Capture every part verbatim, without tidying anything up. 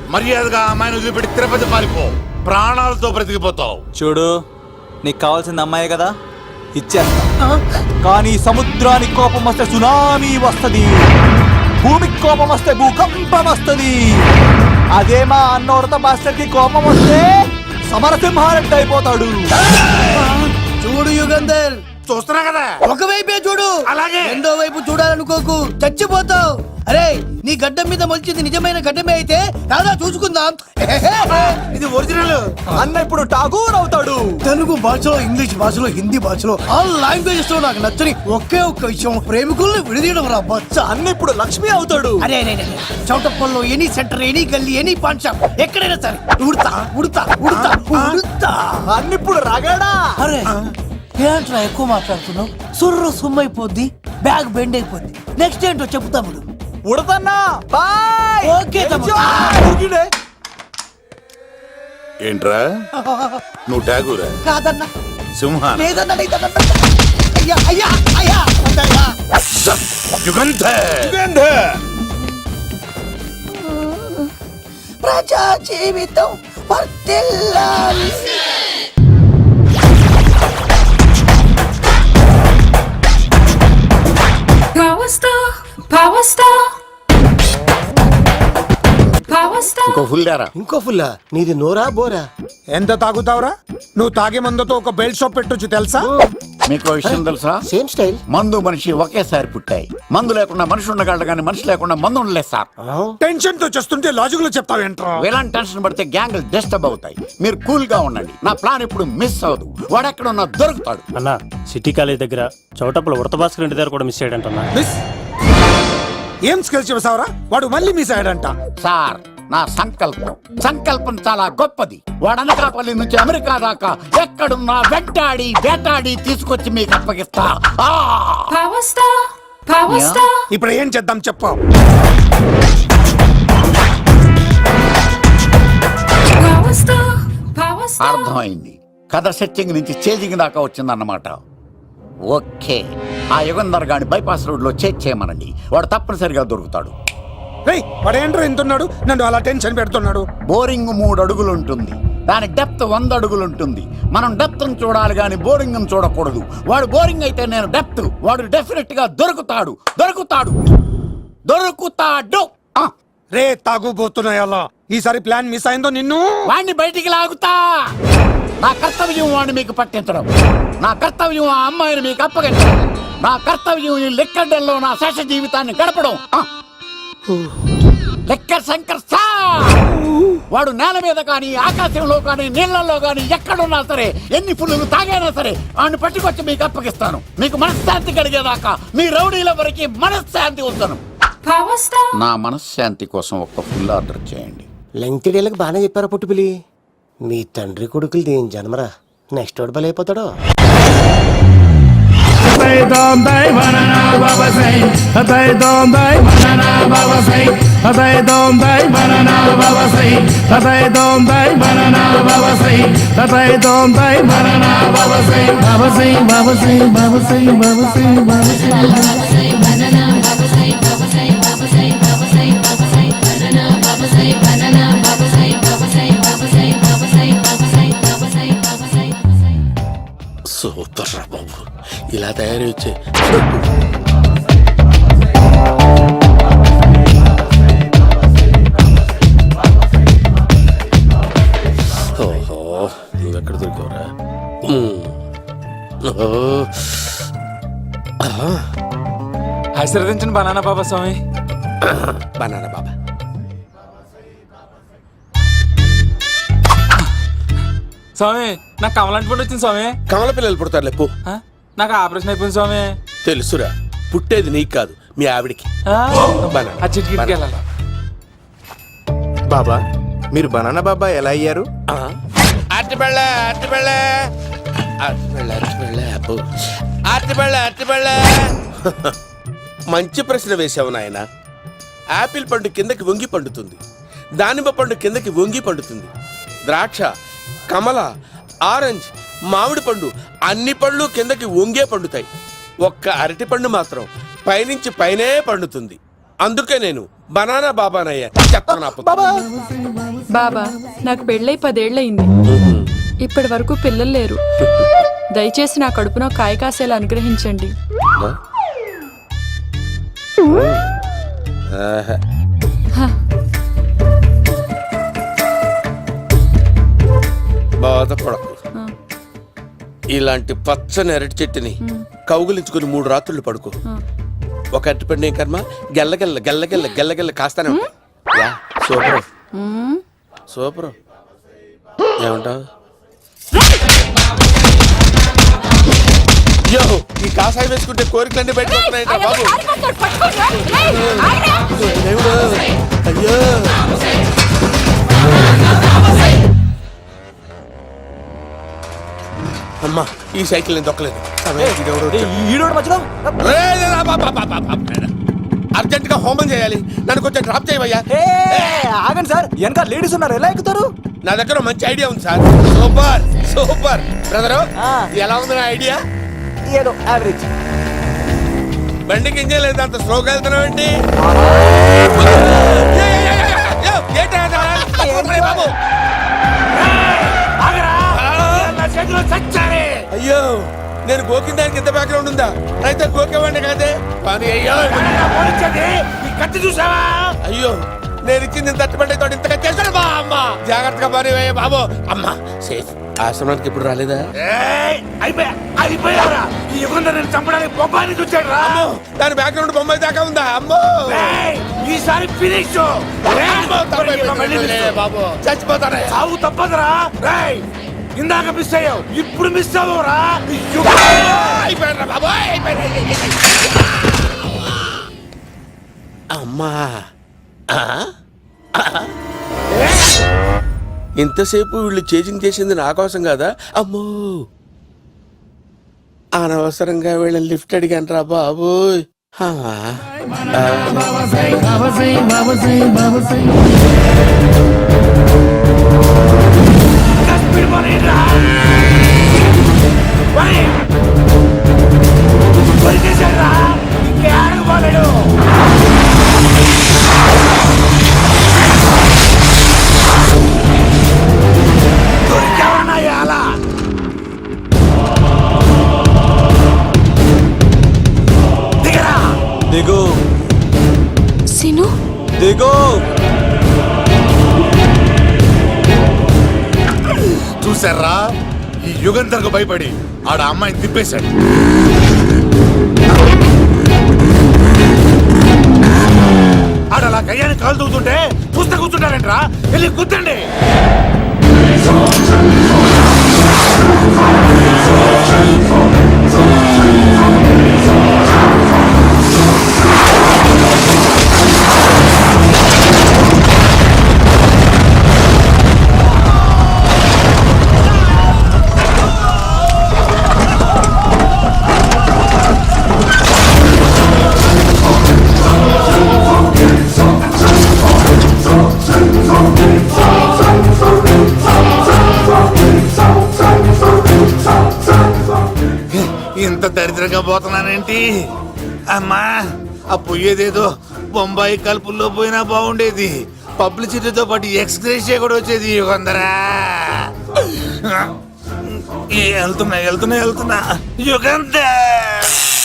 మర్యాదగా అమ్మాయిని వదిలిపెట్టి తిరుపతి పారిపో, ప్రాణాలతో బ్రతికిపోతావు. చూడు, నీకు కావాల్సింది అమ్మాయి కదా, ఇచ్చేస్తా. కానీ సముద్రానికి కోపం వస్తే సునామీ వస్తది, భూమికి కోపం వస్తే భూకంపం వస్తది. అదే మా అన్నోడత మాస్టర్ కి కోపం వస్తే సమరసింహారెడ్డి అయిపోతాడు. చూడు యుగంధర్, చూస్తున్నా కదా, ఒకవైపే చూడు, అలాగే రెండో వైపు చూడాలనుకోకు, చచ్చిపోతావు. అరే, నీ గడ్డం మీద మొలిచింది నిజమైన గడ్డమే అయితే రాదా చూసుకుందాం. ఇది ఒరిజినల్. అన్న ఇప్పుడు ఠాగూర్ అవుతాడు. తెలుగు భాషలో, ఇంగ్లీష్ భాషలో, హిందీ భాషలో ఆల్ లాంగ్వేజెస్ లో నాకు నచ్చని ఒకే ఒక్క విషయం, ప్రేమికుల్ని విడదీయడం రా బచ్చ. అన్న ఇప్పుడు లక్ష్మి అవుతాడు. అరే అరే చౌటప్పల్లో ఎనీ సెంటర్, ఎనీ గల్లీ, ఎనీ పాన్ షాప్, ఎక్కడైనా సరే ఉడతా ఉడతా ఉడతా ఉడతా. అన్న ఇప్పుడు రగడా. అరే ఏంట్రా ఎక్కువ మాట్లాడుతున్నావు? సుర్రు సుమ్మైపోద్ది, బ్యాగ్ బెండ్ అయిపోద్ది. నెక్స్ట్ ఏంటో చెప్తాము. ఉడతన్నా బాయ్. ఓకే తమ్ముడు. ఏంట్రా నువ్వు ఠాగూరా? కాదన్నా, సింహా? లేదన్నా, లేదన్నా. అయ్యా అయ్యా అయ్యా యుగంధర్. ప్రజా జీవితం వర్ధిల్లాలి. Power star, power star, power star. ఇంకో ఫుల్ దారా? ఇంకో ఫుల్లా? నీది నోరా బోరా? ఎంత తాగుతావురా నువ్వు? తాగే మందుతో ఒక బెల్ట్ షాప్ పెట్టొచ్చు తెలుసా? మీకు విషయం తెలుసా? Same style. మందు మనిషి ఒకేసారి పుట్టాయి. మందు లేకుండా మనిషి ఉండగలడు కానీ మనిషి లేకుండా మందు ఉండలేదు సార్. టెన్షన్ తో చేస్తుంటే లాజిక్ లో చెప్తావేంట్రా? ఎలాంటి టెన్షన్ పడితే గ్యాంగ్లు డిస్టర్బ్ అవుతాయి. మీరు కూల్ గా ఉండండి. నా ప్లాన్ ఇప్పుడు మిస్ అవ్వదు. వాడెక్కడ ఉన్నా దొరుకుతాడు. అన్నా, సిటీ కాలేజ్ దగ్గర చౌటప్పల ఉడత భాస్కర్ ఇంటి దగ్గర కూడా మిస్ అయ్యాడంటన్నా. మిస్ ఏం స్కిల్స్ చేసావురా? వాడు మళ్ళీ మిస్ అయ్యాడంట. సార్, నా సంకల్పం సంకల్పం చాలా గొప్పది. వాడు అనకాపల్లి నుంచి అమెరికా దాకా ఎక్కడున్నా వెంటాడి వేటాడి తీసుకొచ్చి మీకు అప్పగిస్తా. Power star, power star. ఇప్పుడు ఏం చేద్దాం చెప్పు. Power star, power star. అర్థమైంది. కథ సెట్టింగ్ నుంచి చేజింగ్ దాకా వచ్చిందన్నమాట. ఓకే, ఆ యుగంధర్ గాని బైపాస్ రోడ్ లో చేజ్ చేయమనండి. వాడు తప్పనిసరిగా దొరుకుతాడు. రేయ్, వాడు ఏంట్రా ఇంటున్నాడు? నన్ను అలా టెన్షన్ పెడుతున్నాడు. బోరింగ్ మూడు అడుగులు ఉంటుంది, దాని డెప్త్ వంద అడుగులు ఉంటుంది. మనం డెప్త్ చూడాలి కానీ బోరింగ్ చూడకూడదు. వాడు బోరింగ్ అయితే నేను డెప్త్. వాడు డెఫినెట్ గా దొరుకుతాడు దొరుకుతాడు దొరుకుతాడు. రే తాగుబోతున్నాయి అలా. ఈసారి ప్లాన్ మిస్ అయిందో నిన్ను వాడిని బయటికి లాగుతా. నా కర్తవ్యం వాడిని మీకు పట్టించడం. నా కర్తవ్యం ఆ అమ్మాయిని మీకు అప్పగించడం. నా కర్తవ్యం ఈ లెక్కడ్డల్లో నా శేష జీవితాన్ని గడపడం. లెక్క శంకర్ సార్, వాడు నేల మీద కానీ ఆకాశంలో కానీ నీళ్లలో కానీ ఎక్కడున్నా సరే, ఎన్ని ఫుల్లు తాగైనా సరే వాడిని పట్టుకొచ్చి మీకు అప్పగిస్తాను. మీకు మనశ్శాంతి కలిగేదాకా మీ రౌడీల వరకు మనశ్శాంతి వస్తాను. నా మనశ్శాంతి కోసం ఒక్క ఫుల్ ఆర్డర్ చేయండి. లెంగ్త్ డేలకు బాగానే చెప్పారా పుట్టుపిలి? మీ తండ్రి కొడుకులు దేని జన్మరా? నెక్స్ట్ వాడు బలైపోతాడో. సూపర్ రా బాబు, ఇలా తయారు వచ్చే. ఓహో, నువ్వెక్కడ దొరికావురా? ఆశీర్వదించండి బనానా బాబా స్వామి. బనానా బాబా. స్వామి, నాకు కమలాంటి పుట్టి వచ్చింది స్వామి. కమల పిల్లలు పుడతారు లేపు. నాకు ఆపరేషన్ అయిపోయింది స్వామి. తెలుసురా, పుట్టేది నీకు కాదు మీ ఆవిడికి. బాబా, మీరు బనానా బాబా ఎలా అయ్యారు? అట్టిబెళ్ళ అట్టిబెళ్ళ అట్టిబెళ్ళ అట్టిబెళ్ళ అట్టిబెళ్ళ అట్టిబెళ్ళ. మంచి ప్రశ్న వేశావు నాయన. యాపిల్ పండు కిందకి వంగి పండుతుంది, దానిమ్మ పండు కిందకి వంగి పండుతుంది, ద్రాక్ష, కమల, ఆరెంజ్, మామిడి పండు అన్ని పళ్ళు కిందకి వంగే పండుతాయి. ఒక్క అరటి పండు మాత్రం పైనుంచి పైనే పండుతుంది. అందుకే నేను బనానా బాబానయ్యా చెత్త నా పుత్రుడు. బాబా నాకు పెళ్ళై పదేళ్లయింది. ఇప్పటి వరకు పిల్లలు లేరు. దయచేసి నా కడుపున కాయ కాసేలా అనుగ్రహించండి. ఆహా. బాధపడకు. ఇలాంటి పచ్చని అరటి చెట్టుని కౌగులించుకుని మూడు రాత్రులు పడుకో. ఒక అరటిపండు ఏం కర్మ గెల్లగెల్ల గెల్లగెల్ల గెల్లగెల్ల కాస్తానే ఉంటాయి. Yeah, super super. ఏమంటావు? యో, ఈ కాసాయి వేసుకుంటే కోరికలన్నీ బయటకు వస్తున్నాయంట బాబు. దేవుడు, అయ్యో. అమ్మా, ఈ సైకిల్ నేను దొక్కలేదు. అర్జెంట్ గా హోమం చేయాలి. నన్ను కొంచెం డ్రాప్ చేయవయ్యా. ఆగండి సార్, వెనక లేడీస్ ఉన్నారు, ఎలా ఎక్కుతారు? నా దగ్గర మంచి ఐడియా ఉంది సార్. Super super brother. ఎలా ఉంది నా ఐడియా? ఏదో యావరేజ్. బండికి ఇంజన్ లేదు, అంత స్లోగా వెళ్తున్నావు ఏంటి? అయ్యో, నేను గోకిన దానికి ఎంత బ్యాక్గ్రౌండ్ ఉందా? అయితే గోకేవాడిని కాదే. కానీ అయ్యో కత్తి చూసావా? అయ్యో, నేను ఇచ్చింది తట్టుబడి తోటి ఇంతగా చేశాను బా అమ్మ. జాగ్రత్తగా పని వేయ బాబు. అమ్మ సేఫ్. ఆశ్రమానికి ఇప్పుడు రాలేదా? అయిపోయారా? ఈ యుగంలో నేను చంపడానికి బొమ్మాని చూచాడు రా. అమ్మో, దాని బ్యాక్గ్రౌండ్ బొమ్మాయి దాకా ఉందా? అమ్మో, ఈసారి ఫినిష్ బాబు చచ్చిపోతానే. సాగు తప్పదురా. రేయ్, ఇందాక మిస్ అయ్యావు, ఇప్పుడు మిస్ అవ్వరా. అయిపోయారా బాబు? అమ్మా, ఇంతసేపు వీళ్ళు చేజింగ్ చేసింది నా కోసం కదా. అమ్మో, అనవసరంగా వీళ్ళని లిఫ్ట్ అడిగాను రా బాబు. దిగు సిను, దిగు. చూసారా, ఈ యుగంధర్కు భయపడి ఆడ అమ్మాయిని తిప్పేశాడు. ఆడ అలా కయ్యాన్ని కాలు తూగుతుంటే చూస్తే కూర్చుంటారంట్రా. వెళ్ళి కూర్చోండి. ఇంత దరిద్రంగా పోతున్నానేంటి అమ్మా? ఆ పోయేదేదో బొంబాయి కలుపుల్లో పోయినా బాగుండేది. పబ్లిసిటీతో పాటు ఎక్స్గ్రేషియా కూడా వచ్చేది. యుగంధరా, వెళ్తున్నా వెళ్తున్నా వెళ్తున్నా యుగంధర్.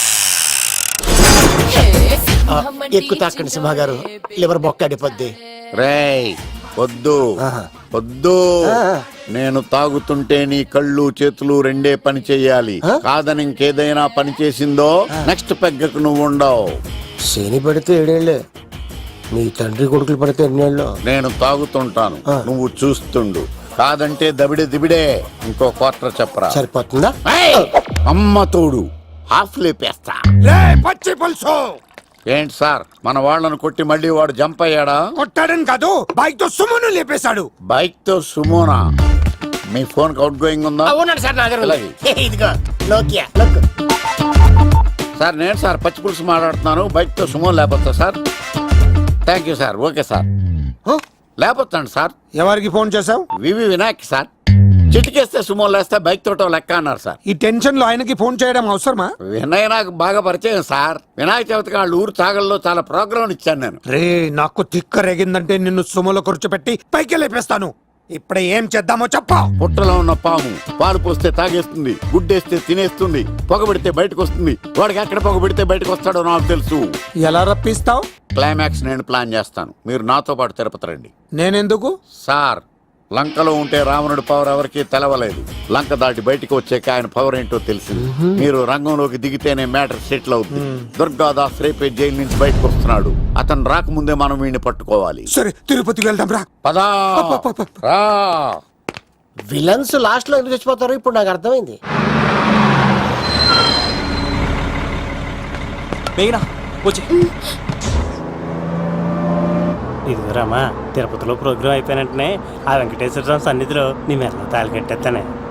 ఎక్కు తాకండి సింహ గారు, లివర్ బొక్క అడిపోద్ది. రేయ్ వద్దు వద్దు. నేను తాగుతుంటే నీ కళ్ళు చేతులు రెండే పని చెయ్యాలి. కాదని ఇంకేదైనా పని చేసిందో నెక్స్ట్ పెగ్గకు నువ్వు ఉండవు. శని పడితే ఏడేళ్ళే, మీ తండ్రి కొడుకులు పడితే ఎన్నేళ్ళు. నేను తాగుతుంటాను, నువ్వు చూస్తుండు. కాదంటే దబిడే దిబిడే. ఇంకో క్వార్టర్ చెప్పరా? సరిపోతుందా? అమ్మ తోడు హాఫ్ లేపేస్తా. పచ్చి పులుసు. ఏంటి సార్, మన వాళ్ళను కొట్టి మళ్ళీ వాడు జంప్ అయ్యాడా? కొట్టాడని కాదు, బైక్ తో సుమను లేపేశాడు. బైక్ తో సుమోనా? మీ ఫోన్ అవుట్ గోయింగ్ ఉందా? ఉన్నాడు సార్ నా దగ్గర. ఇలాగే. ఇదిగో నోకియా లోక్. సార్ నేను సార్ పచ్చి పులుసు మాట్లాడుతున్నాను. బైక్ తో సుమో లేపొచ్చా sir? Thank you sir. Okay sir, లేపొచ్చండి సార్. ఎవరికి ఫోన్ చేసావు? వివి వినాయక్ సార్. చిటికేస్తే సుమో లేస్తే బైక్ తోటో లెక్క అన్నారు సార్. ఈ టెన్షన్ లో ఆయనకి ఫోన్ చేయడం అవసరమా? వినయ్ నాకు బాగా పరిచయం సార్. వినాయక చవితికి వాళ్ళ ఊరు చాగల్లో చాలా ప్రోగ్రాం ఇచ్చాను నేను. రే నాకు తిక్క రేగిందంటే నిన్ను సుమలో కూర్చోబెట్టి పైకి లేపేస్తాను. ఇప్పుడు ఏం చేద్దామో చెప్పా. పుట్టలో ఉన్న పాము పాలు పోస్తే తాగేస్తుంది, గుడ్డేస్తే తినేస్తుంది, పొగబెడితే బయటకు వస్తుంది. వాడికి ఎక్కడ పొగబెడితే బయటకు వస్తాడో నాకు తెలుసు. ఎలా రప్పిస్తావు? క్లైమాక్స్ నేను ప్లాన్ చేస్తాను, మీరు నాతో పాటు తిరుపతి రండి. నేనెందుకు? సార్, లంకలో ఉంటే రావణుడి పవర్ ఎవరికి తెలవలేదు. లంక దాటి బయటికి వచ్చాక ఆయన పవర్ ఏంటో తెలిసింది. మీరు రంగంలోకి దిగితేనే మ్యాటర్ సెటిల్ అవుతుంది. దుర్గాదాస్ రేపే జైలు నుంచి బయటకు వస్తున్నాడు. అతను రాకముందే మనం వీడిని పట్టుకోవాలి. సరే తిరుపతికి వెళ్దాం రా. పదా రా. విలన్స్ లాస్ట్ లో ఎందుకు చచ్చిపోతారు ఇప్పుడు నాకు అర్థమైంది. మేఘనా వచ్చి. ఇదిగోరామా, తిరుపతిలో ప్రోగ్రాం అయిపోయినట్టునే ఆ వెంకటేశ్వర స్వామి సన్నిధిలో నీ మెల్ల తాళి కట్టేస్తానే.